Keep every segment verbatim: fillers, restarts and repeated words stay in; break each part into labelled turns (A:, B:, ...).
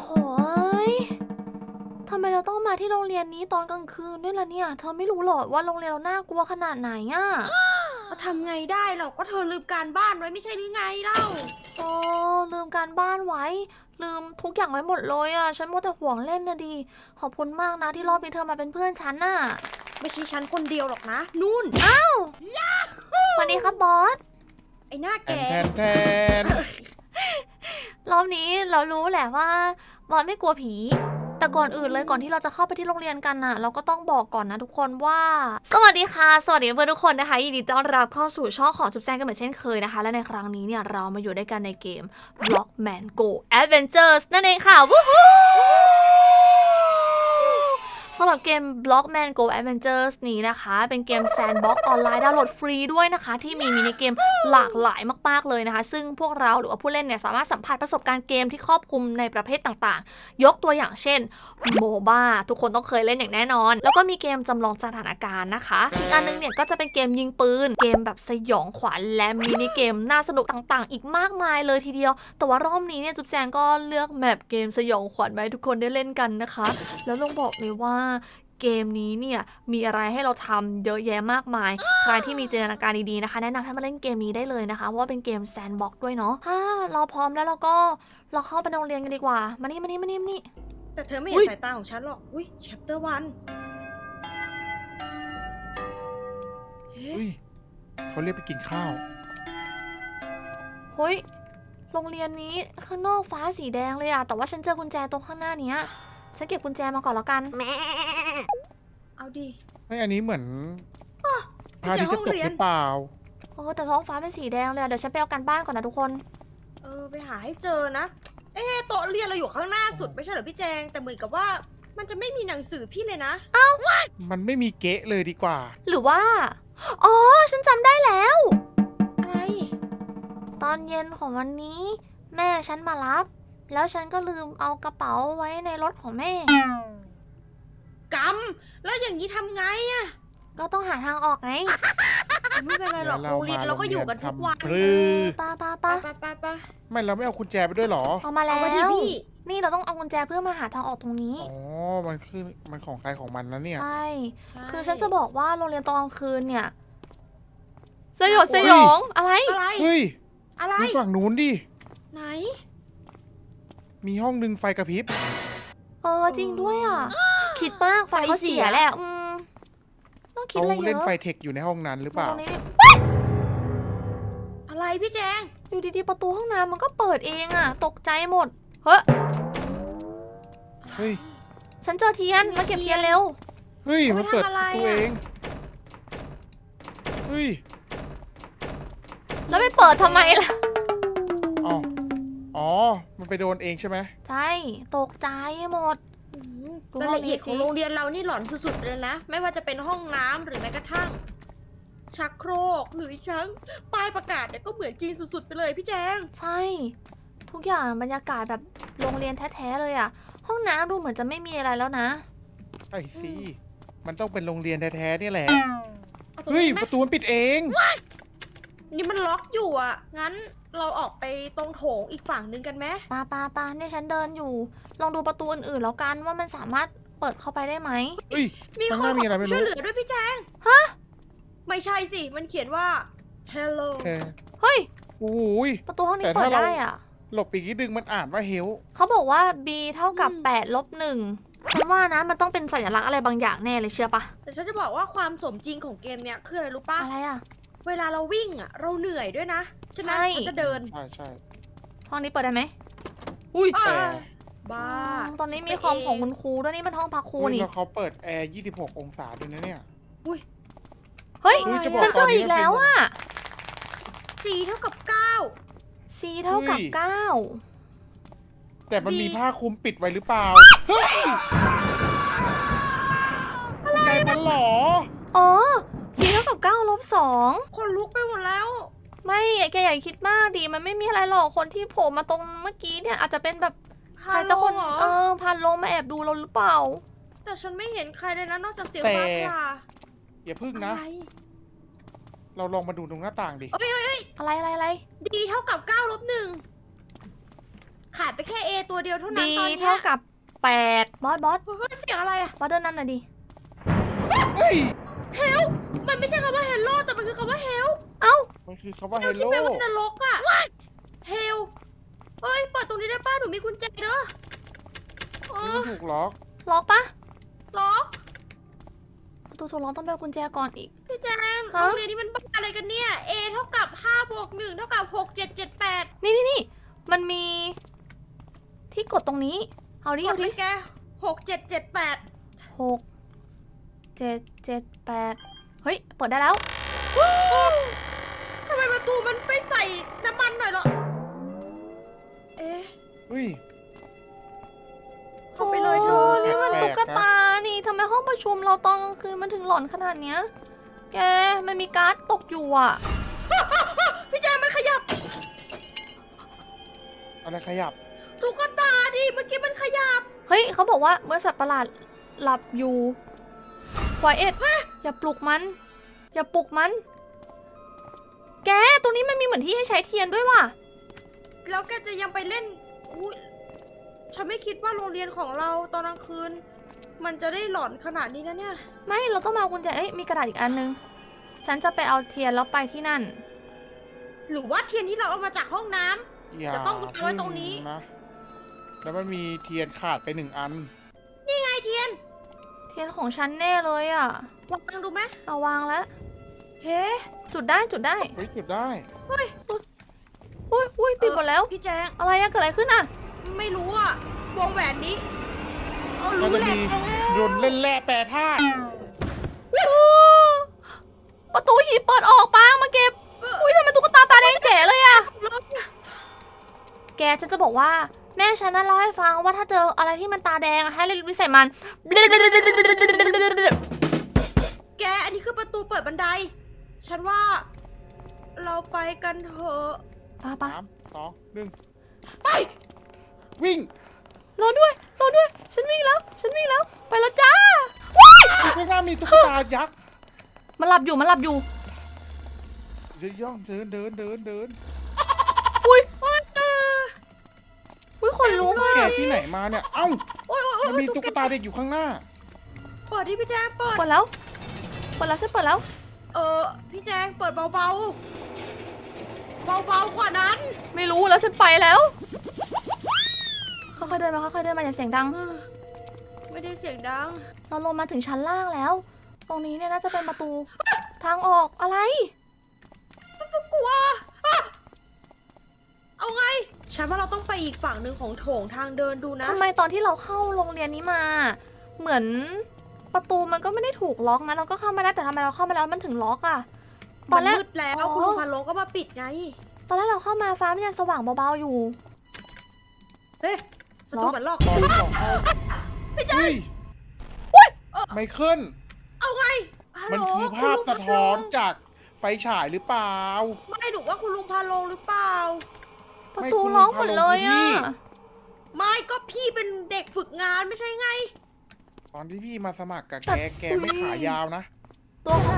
A: ยทำไมเราต้องมาที่โรงเรียนนี้ตอนกลางคืนด้วยล่ะเนี่ยเธอไม่รู้หรอว่าโรงเรียนเราน่ากลัวขนาดไหนอ่ะ
B: ก็ทำไงได้หรอกก็เธอลืมการบ้านไว้ไม่ใช่หรือไงเล่า
A: โอ้ลืมการบ้านไว้ ลืมทุกอย่างไว้หมดเลยอ่ะฉันมัวแต่ห่วงเล่นนะดิขอบคุณมากนะที่รอบนี้เธอมาเป็นเพื่อนฉันน่ะ
B: ไม่ใช่ฉันคนเดียวหรอกนะ นู่น
A: สวัสดีครับบอส
B: ไอ้หน้า
C: แท
B: แก่
C: นแทนแทน
A: รอบนี้เรารู้แหละว่าบอสไม่กลัวผี แต่ก่อนอื่นเลยก่อนที่เราจะเข้าไปที่โรงเรียนกันน่ะ เราก็ต้องบอกก่อนนะทุกคนว่า สวัสดีค่ะ สวัสดีเพื่อนทุกคนนะคะยินดีต้อนรับเข้าสู่ช่องของจุ๊บแจงกันเหมือนเช่นเคยนะคะ และในครั้งนี้เนี่ยเรามาอยู่ด้วยกันในเกม Blockman Go Adventures นั่นเองค่ะวู้ฮู้สำหรับเกม Blockman Go Adventures นี้นะคะเป็นเกม Sandbox ออนไลน์ดาวน์โหลดฟรีด้วยนะคะที่มีมินิเกมหลากหลายมากๆเลยนะคะซึ่งพวกเราหรือว่าผู้เล่นเนี่ยสามารถสัมผัสประสบการณ์เกมที่ครอบคลุมในประเภทต่างๆยกตัวอย่างเช่นโมบ้าทุกคนต้องเคยเล่นอย่างแน่นอนแล้วก็มีเกมจำลองสถานการณ์นะคะอีกอันนึงเนี่ยก็จะเป็นเกมยิงปืนเกมแบบสยองขวัญและมินิเกมน่าสนุกต่างๆ อีกมากมายเลยทีเดียวแต่ว่ารอบนี้เนี่ยจุ๊บแจงก็เลือกแมปเกมสยองขวัญมาให้ทุกคนได้เล่นกันนะคะแล้วต้องบอกเลยว่าเกมนี้เนี่ยมีอะไรให้เราทำเยอะแยะมากมายใครที่มีจินตนาการดีๆนะคะแนะนำให้มาเล่นเกมนี้ได้เลยนะคะเพราะว่าเป็นเกมแซนด์บ็อกซ์ด้วยเนาะถ้าเราพร้อมแล้วเราก็เราเข้าไปในโรงเรียนกันดีกว่ามานี่มานี่มานี่มานี่
B: แต่เธอไม่
A: อุ๊
B: เห็น
A: ย
B: สายตาของฉันหรอก อุ้ย chapter one เฮ้
C: อุ้ยเขาเรียกไปกินข้าว
A: เฮ้ยโรงเรียนนี้ข้างนอกฟ้าสีแดงเลยอะแต่ว่าฉันเจอกุญแจตรงข้างหน้าเนี้ยฉันเก็บกุญแจมาก่อนแล้วกัน
B: เอาดิ
C: ไม่อันนี้เหมือนพระอาทิตย์จะตกหรือเปล่า
A: โอ้แต่ท้องฟ้าเป็นสีแดงเลยอะเดี๋ยวฉันไปเอากันบ้านก่อนนะทุกคน
B: เออ ไปหาให้เจอนะ เอ๊ะโต๊ะเรียนเราอยู่ข้างหน้าสุดไม่ใช่เหรอพี่แจง แต่เหมือนกับว่ามันจะไม่มีหนังสือพี่เลยนะ
C: มันไม่มีเก๊ะเลยดีกว่า
A: หรือว่าอ๋อฉันจำได้แล้ว
B: อะไร
A: ตอนเย็นของวันนี้ แม่ฉันมารับ แล้วฉันก็ลืมเอากระเป๋าไว้ในรถของแม่
B: กำแล้วอย่างนี้ทำไงอะ
A: ก็ต้องหาทางออกไง
B: ไม่เป็นไรหรอก
C: เดี๋ยว
B: โรงเรียนเราก็อยู่กันทุกวัน
C: ทำปรือ
A: ป้าป้า
B: ไป
A: ป้า
B: ไปไป
C: ไม่เราไม่เอากุญแจไปด้วยเหรอ
A: เอามาแล้
B: เอา
A: ว
B: มาดิพี่
A: นี่เราต้องเอากุญแจเพื่อมาหาทางออกตรงนี้
C: อ๋อ มันคือมันของใครของมันนะเนี่ย
A: ใช่
B: ใช่
A: คือฉันจะบอกว่าโรงเรียนตอนกลางคืนเนี่ย สยดส
B: เฮ้ย
A: ยอง อะไร
B: อะไร
C: เฮ้ย
B: อะไร
C: ดูฝั่งนู้นดิ
B: ไหน
C: มีห้องหนึ่งไฟกระพริบ
A: เออจริงด้วยอ่ะ คิดมากไฟเขาเสียแหละ อืมต้องคิด
C: เขา
A: อะไรเย
C: เล่น
A: อะ
C: ไฟเทคอยู่ในห้องนั้นหรือเป
A: มา
C: ล่า
A: ตรงนี้ดิ
B: อะไรพี่แจง
A: อยู่ดีๆประตูห้องน้ำมันก็เปิดเองอ่ะ ตกใจหมด เฮ้ย
C: เฮ้ย
A: ฉันเจอเทียน มาเก็บเทียนเร็ว
C: เฮ้ย มันเปิด
B: ทำอะไร
C: ตัว
B: อะ
C: เอง เฮ้ย
A: แล้วไปเปิดทำไมล่ะ
C: อ๋อ อ๋อ มันไปโดนเองใช่ไหม
A: ใช่ ตกใจหมด
B: อืม
A: ดู
B: รายละเอียด
A: ห้องนี้สิ
B: ของโรงเรียนเรานี่หลอนสุดๆเลยนะ ไม่ว่าจะเป็นห้องน้ำหรือแม้กระทั่ง ชักโครกหรืออีกครั้งป้ายประกาศเนี่ยก็เหมือนจริงสุดๆไปเลยพี่แจง
A: ใช่ ทุกอย่างบรรยากาศแบบโรงเรียนแท้ๆเลยอ่ะ ห้องน้ำดูเหมือนจะไม่มีอะไรแล้วนะ
C: ใช่สิ มันต้องเป็นโรงเรียนแท้ๆนี่แหละ
B: เอาตรง
C: เฮ้ย
B: นี้ไหม
C: ประตูมันปิดเอง
B: นี่มันล็อกอยู่อ่ะ งั้นเราออกไปตรงโถงอีกฝั่งนึงกันไหม
A: ปาปาปาเนี่ยฉันเดินอยู่ ลองดูประตูอื่นๆแล้วกันว่ามันสามารถเปิดเข้าไปได้ไหม
C: เฮ้ย
B: มี
C: ข้าง
B: ค
C: ห
B: น
C: น้า
B: ข
C: มี
B: อ
C: อะไร
B: ค
C: ไม่
B: วามช่วย
C: รู้
B: เหลือด้วยพี่แจง
A: ฮะ
B: ไม่ใช่สิ มันเขียนว่า hello
C: แค่
A: เฮ้ย
C: โอ้ย
A: ประตูห้องนี้
C: แต่
A: เปิ
C: ถ้า
A: ด
C: เรา
A: ได้อ่ะ
C: หลบอีกนิดนึงมันอ่านว่าเฮล
A: เขาบอกว่า b เท่ากับ
B: อืม
A: แปดลบหนึ่งฉันว่านะมันต้องเป็นสัญลักษณ์อะไรบางอย่างแน่เลยเชื่อปะ
B: แต่ฉันจะบอกว่าความสมจริงของเกมเนี้ยคืออะไรรู้ปะ
A: อะไรอ่ะ
B: เวลาเราวิ่งอ่ะ เราเหนื่อยด้วยนะฉะนั้น
A: ใช่
B: ฉันจะเดิน
C: ใช่ใช่
A: ห้องนี้เปิดได้ไหมอุ้ย
B: อ่า
C: แต่
B: บ้า
A: อืมตอนนี้มีคอมของคุณครูด้วยนี่มันห้องพักครู
C: เฮ้ย
A: นี่
C: แล้วเขาเปิดแอร์ยี่สิบหกองศาด้วยนะเนี่ย
A: เฮ้ย
C: เฮ้ยจะบอก
A: ฉันเจ
C: ตอ
A: อน
C: นี้
A: อีกแล้วอ่ะ
B: สี่เท่ากับเก้า
A: c เท่ากับ
C: เฮ้ย
A: เก้า
C: แต่มันมี
B: มี
C: ผ้าคลุมปิดไว้หรือเปล่า เฮ้ยอะไรมันเหรอ
A: อ๋อ c เท่ากับเก้าลบสอง
B: คนลุกไปหมดแล้ว
A: ไม่แกอย่าคิดมากดิมันไม่มีอะไรหรอกคนที่โผล่มาตรงเมื่อกี้เนี่ยอาจจะเป็นแบบใครสักคน
B: เหรอ
A: เออพันลงมาแอบดูเราหรือเปล่า
B: แต่ฉันไม่เห็นใครเลยนะนอกจากเสียง
C: แต่
B: ฟ้าผ่า
C: อย่าพึ่ง
B: อะ
C: นะ
B: ไร
C: เราลองมาดูตรงหน้าต่างดิ
B: เอ้ยเอ้ยเอ้ย
A: อะไรอะไรอะไร
B: ดีเท่ากับเก้าลบหนึ่งขาดไปแค่ A ตัวเดียวเท่านั้น
A: ดี
B: ตอนเนี้
A: เท่าย กับแปดบอสบอส
B: เฮ้ยเสียงอะไรอะ
A: บอสเดินนำหน่อยดิ
C: เฮ้ย
B: เฮลมันไม่ใช่คำว่า hello แต่มันคือคำว่า hell
A: เอ้า
C: มันคือคำว่า
B: เฮ
C: เฮ
B: ล
C: ล
B: ที่
C: โล
B: แปลว่านรกอะเฮลเฮ้ยเปิดตรงนี้ได้ป้าหนูมีกุญแจเด้อเอ
C: นี่
B: อ
C: มันถูกล็อก
A: ล็อกปะ
B: ล็อก
A: ประตูถูกล็อกต้องไปเอากุญแจก่อนอีก
B: พี่แจง
A: ฮะ
B: โรงเรียนนี้มันบ้าอะไรกันเนี่ย A เท่ากับห้าบวกหนึ่งเท่ากับหก เจ็ด เจ็ด แปด
A: นี่นี่นี่มันมี ที่กดตรงนี้ เอาดิ
B: ก
A: เอา
B: ด
A: ดิ
B: เลยแกหก เจ็ด เจ็ด แปด
A: หกเจ็ดเจ็ดแปดเฮ้ย เปิดได้แล้ว
B: ทำไมประตูมันไม่ใส่น้ำมันหน่อยเหรอ เอ๊ะ
C: เฮ้ย
B: เข้าไปเลยเธอ
A: โนี่มัน
C: แปลกๆนะ
A: ตุ๊กตา นี่ทำไมห้องประชุมเราตอนกลางคืนมันถึงหลอนขนาดเนี้ย แก มันมีการ์ดตกอยู่อ่ะ
B: พี่แจงมันขยับ
C: อะไรขยับ
B: ตุ๊กตาดิเมื่อกี้มันขยับ
A: เฮ้ย เขาบอกว่าเมื่อสัตว์ประหลาดหลับอยู่ควายเอ็ดอย่าปลุกมัน อย่าปลุกมัน แก ตรงนี้มันมีเหมือนที่ให้ใช้เทียนด้วยว่ะ
B: แล้วแกจะยังไปเล่นอุ๊ยฉันไม่คิดว่าโรงเรียนของเราตอนกลางคืน มันจะได้หลอนขนาดนี้นะเนี่ย
A: ไม่ เราต้องมาเอากุญแจ เอ้ย มีกระดาษอีกอันนึง ฉันจะไปเอาเทียนแล้วไปที่นั่น
B: หรือว่าเทียนที่เราเอามาจากห้องน้ำ
C: อย่า
B: จะต้องวางไว้ตรงนี้
C: นะ แล้วมันมีเทียนขาดไปหนึ่งอัน
B: นี่ไงเทียน
A: เทียนของฉันแน่เลยอ่ะ
B: วางดูไหม
A: เอาวางแล้ว
B: เฮ้
A: จุดได้จุดได้
C: เฮ้ยจุดได้
A: อุ้ยอุ้ยติดหมดแล้ว
B: พี่แจง
A: อะไรอะเกิดอะไรขึ้นอะ
B: ไม่รู้อะวงแหวนนี้เอา
C: มัน
B: รู้
C: จะ
B: แหละ
C: มีรนเล่นแร่แปรธาตุ
A: ประตูหีบเปิดออกปังมาเก็บ อุ้ยทำไมตุ๊กตาตาแดงแจ๋เลยอะแกฉันจะบอกว่า แม่ฉันน่ะเล่าให้ฟังว่าถ้าเจออะไรที่มันตาแดงอะให้เล่นวิสัยมัน
B: แกอันนี้คือประตูเปิดบันได ฉันว่า เราไปกันเถอะ
A: ป้าป้า
C: สามสองหนึ่ง
B: ไป
C: วิ่ง
A: รอด้วยรอด้วย ฉันวิ่งแล้ว ฉันวิ่งแล้ว ไปแล้วจ้า
C: ข้างหน้ามีตุ๊กตายักษ์
A: มันหลับอยู่มันหลับอยู่
C: เดินย่องเดินเดินเดินเดิน
A: อุ้ย
B: โอ๊ยเออ
A: อุ้ยขนลุกอะ
C: แกที่ไหนมาเนี่ย เอ้า
B: โอ๊ยโอ๊ยโอ๊
C: มัน
B: ย
C: มีตุ๊กตาเด็กอยู่ข้างหน้า
B: เปิดดิพี่แจงเปิด
A: เปิดแล้วเปิดแล้วฉันเปิดแล้ว
B: เออพี่แจงเปิดเบาๆ เบาๆกว่านั้น
A: ไม่รู้แล้วฉันไปแล้วค่อยๆเดินมาค่อยๆเดินมาอย่าเสียงดัง
B: ไม่ได้เสียงดัง
A: เราลงมาถึงชั้นล่างแล้ว ตรงนี้เนี่ยน่าจะเป็นประตู ทางออกอะไร
B: กลัวอ่ะเอาไง ฉันว่าเราต้องไปอีกฝั่งหนึ่งของโถงทางเดินดูนะ
A: ทำไมตอนที่เราเข้าโรงเรียนนี้มา เหมือนประตูมันก็ไม่ได้ถูกล็อกนะ เราก็เข้ามาได้แต่ทำไมเราเข้ามาแล้วมันถึงล็อกอะต
B: มั
A: อน
B: น
A: แรก
B: มืดแล้ว
A: อ๋อ
B: คุณลุงพันโลงก็มาปิดไง
A: ตอนแรกเราเข้ามาฟ้ามันยังสว่างเบาๆอยู่
B: เฮ้ยประตูเหมือนล็อก
C: ตอนสองเข้า
B: พี่แจ
C: เฮ้
B: ง
C: ยไมเคิล
B: เอาไงฮัล
C: มัน
B: โหล
C: คือ
B: ณ
C: ภาพ
B: ลุง
C: สะท้อนจากไฟฉายหรือเปล่า
B: ไม่หนูว่าคุณลุงพาโลงหรือเปล่า
A: ประตูล็อกหมดเลยอะ
B: ไม่ก็พี่เป็นเด็กฝึกงานไม่ใช่ไง
C: ตอนที่พี่มาสมัครกับ
A: แต่
C: แก แกไม่ขายาวนะ
A: ตัวของ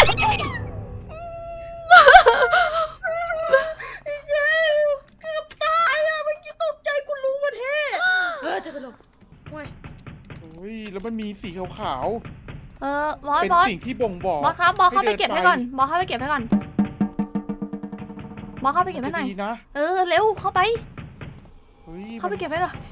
B: พี่แจงเกือบตายอะเมื่อกี้ตกใจคุณลุงมาเท่เออจะไปลงโอ้ย
C: เฮ้ย แล้วมันมีสีขาว
A: เออบอ
C: ๆ
A: ส
C: เป็น
A: บอส
C: สิ่งที่บ่งบอก
A: บอสครับบอสเข้าไป
C: ให้เดิน
A: เก็บให้
C: ไป
A: ก่อนบอสเข้าไปเก็บให้ก่อนบอสเข้าไปเก็บให้หน่อย
C: จะดีนะ
A: เออเร็วเข้าไป
C: เฮ้ย
A: เข้าไป
C: มัน
A: เก็บให้หน่อย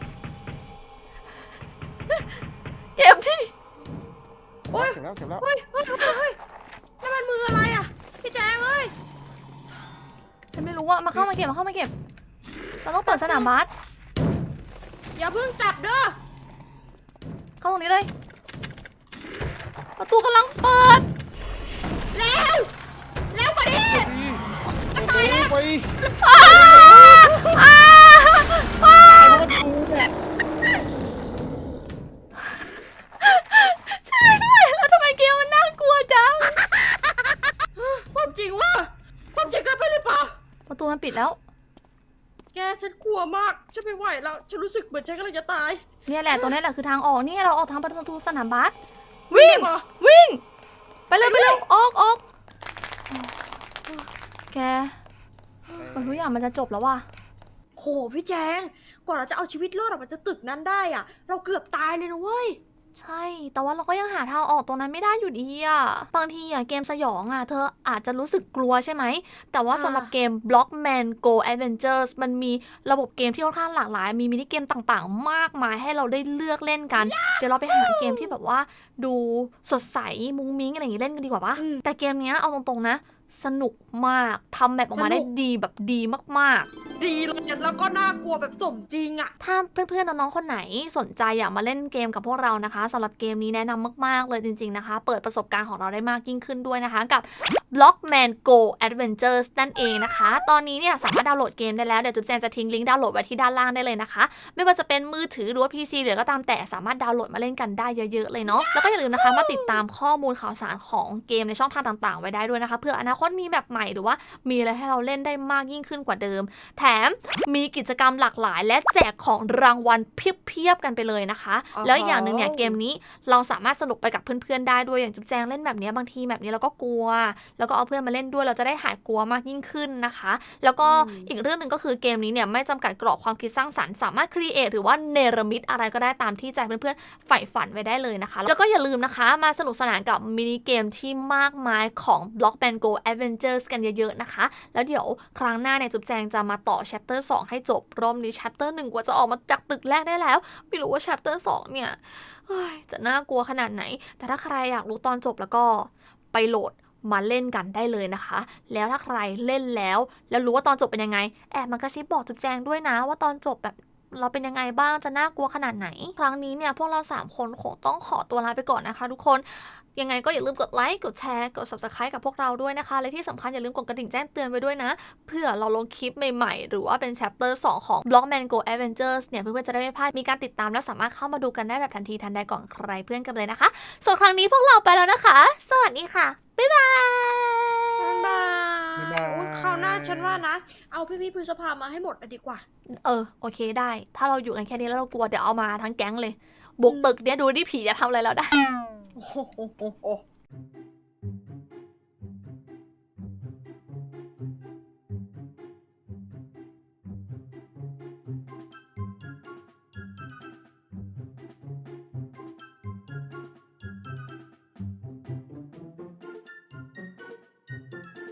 A: เก็บที่
B: โอ๊ย
C: เก็บแล้วเก็บแล้ว
B: เฮ้ยเฮ้ยเฮ้ยเฮ้ยนั่นมันมืออะไรอะพี่แจงเอ้ย
A: ฉันไม่รู้ว่ามาเข้ามาเก็บมาเข้ามาเก็บ เราต้องเปิดสนามบาส
B: อย่าเพิ่งจับเด้อ
A: เข้าตรงนี้เลย ประตูกำลังเปิด
B: แล้วแล้วกว่านี้
C: ตายแล้วไป
A: อ้าอ้าอ้า
C: ตายเพราะมันดูเนี่ย
A: ช่วยด้วยแล้วทำไมเกมมันน่ากลัวจัง
B: ส้มจริงวะส้มจริงเกินไปหรือเปล่า
A: ประตูมันปิดแล้ว
B: แกฉันกลัวมากฉันไม่ไหวแล้วฉันรู้สึกเหมือนฉันกำลังจะตาย
A: เนี่ยแหละตัวนี้แหละคือทางออกนี่เราออกทางประตูสนามบาสวิ่ง
B: เหรอ
A: วิ่ง ไปเลยไปเลยออกออกแกมันทุกอย่างมันจะจบแล้วว่ะ
B: คโหพี่แจงกว่าเราจะเอาชีวิตรอดออกมาจากตึกนั้นได้อะเราเกือบตายเลยนะเว้ย
A: ใช่ แต่ว่าเราก็ยังหาทางออกตรงนั้นไม่ได้อยู่ดีอะบางทีอะเกมสยองอะเธออาจจะรู้สึกกลัวใช่ไหม แต่ว่า
B: อ่า
A: สำหรับเกม Blockman Go Adventures มันมีระบบเกมที่ค่อนข้างหลากหลาย มีมินิเกมต่างๆ มากมายให้เราได้เลือกเล่นกัน เดี๋ยวเราไปหาเกมที่แบบว่าดูสดใสมุ้งมิ้งอะไรอย่างงี้เล่นกันดีกว่าปะ
B: อืม
A: แต่เกมเนี้ยเอาตรงๆนะ สนุกมากทำแบบออกมาได้
B: สนุก
A: ดีแบบดีมากๆ
B: ดีเลยแล้วก็น่ากลัวแบบสมจริงอะ
A: ถ้าเพื่อนๆน้องๆคนไหนสนใจอยากมาเล่นเกมกับพวกเรานะคะสำหรับเกมนี้แนะนำมากๆเลยจริงๆนะคะ เปิดประสบการณ์ของเราได้มากยิ่งขึ้นด้วยนะคะกับ Blockman Go Adventures นั่นเองนะคะ ตอนนี้เนี่ยสามารถดาวน์โหลดเกมได้แล้วเดี๋ยวจุ๊บแจงจะทิ้งลิงก์ดาวน์โหลดไว้ที่ด้านล่างได้เลยนะคะ ไม่ว่าจะเป็นมือถือหรือว่า พี ซี หรือก็ตามแต่สามารถดาวน์โหลดมาเล่นกันได้เยอะๆเลยเนาะแล้วก็อย่าลืมนะคะมาติดตามข้อมูลข่าวสารของเกมในช่องทางต่างๆไว้ได้ด้วยนะคะเพื่ออนาคตมีแบบใหม่หรือว่ามีอะไรให้เราเล่นได้มากยิ่งขึ้นกว่าเดิม แถมมีกิจกรรมหลากหลาย และแจกของรางวัลเพียบๆกันไปเลยนะคะ
B: อ๋อ
A: แล้วอีกอย่างหนึ่งเนี่ยเกมนี้เราสามารถสนุกไปกับเพื่อนๆได้ด้วยอย่างจุ๊บแจงเล่นแบบนี้บางทีแบบนี้เราก็กลัว แล้วก็เอาเพื่อนมาเล่นด้วยเราจะได้หายกลัวมากยิ่งขึ้นนะคะ แล้วก็อีกเรื่องหนึ่งก็คือเกมนี้เนี่ยไม่จำกัดกรอบความคิดสร้างสรรค์สามารถครีเอทหรือว่าเนรมิตอะไรก็ได้ตามที่ใจเพื่อนๆใฝ่ฝันไว้ได้เลยนะคะ แล้วก็อย่าลืมนะคะมาสนุกสนานกับมินิเกมที่มากมายของ Blockman Go Adventures กันเยอะๆนะคะ แล้วเดี๋ยวครั้งหน้าเนี่ยจุ๊บแจงจะมาต่อ chapter สองให้จบรอบนี้ chapter หนึ่งกว่าจะออกมาจากตึกแรกได้แล้ว ไม่รู้ว่า chapter สองเนี่ยเฮ้ยจะน่ากลัวขนาดไหน แต่ถ้าใครอยากรู้ตอนจบแล้วก็ไปโหลดมาเล่นกันได้เลยนะคะ แล้วถ้าใครเล่นแล้ว แล้วรู้ว่าตอนจบเป็นยังไง แอบมากระซิบบอกจุ๊บแจงด้วยนะว่าตอนจบแบบเราเป็นยังไงบ้างจะน่ากลัวขนาดไหน ครั้งนี้เนี่ยพวกเราสามคนคงต้องขอตัวลาไปก่อนนะคะทุกคน ยังไงก็อย่าลืมกดไลค์ กดแชร์ กด Subscribe กับพวกเราด้วยนะคะ และที่สำคัญอย่าลืมกดกระดิ่งแจ้งเตือนไว้ด้วยนะ เพื่อเราลงคลิปใหม่ๆ หรือว่าเป็น chapter สองของ Blockman Go Adventures เนี่ยเพื่อนๆจะได้ไม่พลาด มีการติดตามและสามารถเข้ามาดูกันได้แบบทันทีทันใดก่อนใครเพื่อนกันเลยนะคะ ส่วนครั้งนี้พวกเราไปแล้วนะคะ สวัสดีค่ะ บ๊ายบาย
B: บ๊ายบา
C: บ๊ายบาย
B: ยโอ้ยคราวหน้าฉันว่านะ เอาพี่พี่ๆพฤษภามาให้หมดเลยดีกว่า
A: เออโอเคได้ ถ้าเราอยู่กันแค่นี้แล้วเรากลัวเดี๋ยวเอามาทั้งแก๊งเลย บุกตึกเนี่ยดูดิผีจะทำอะไรเราได้
B: โอ้โห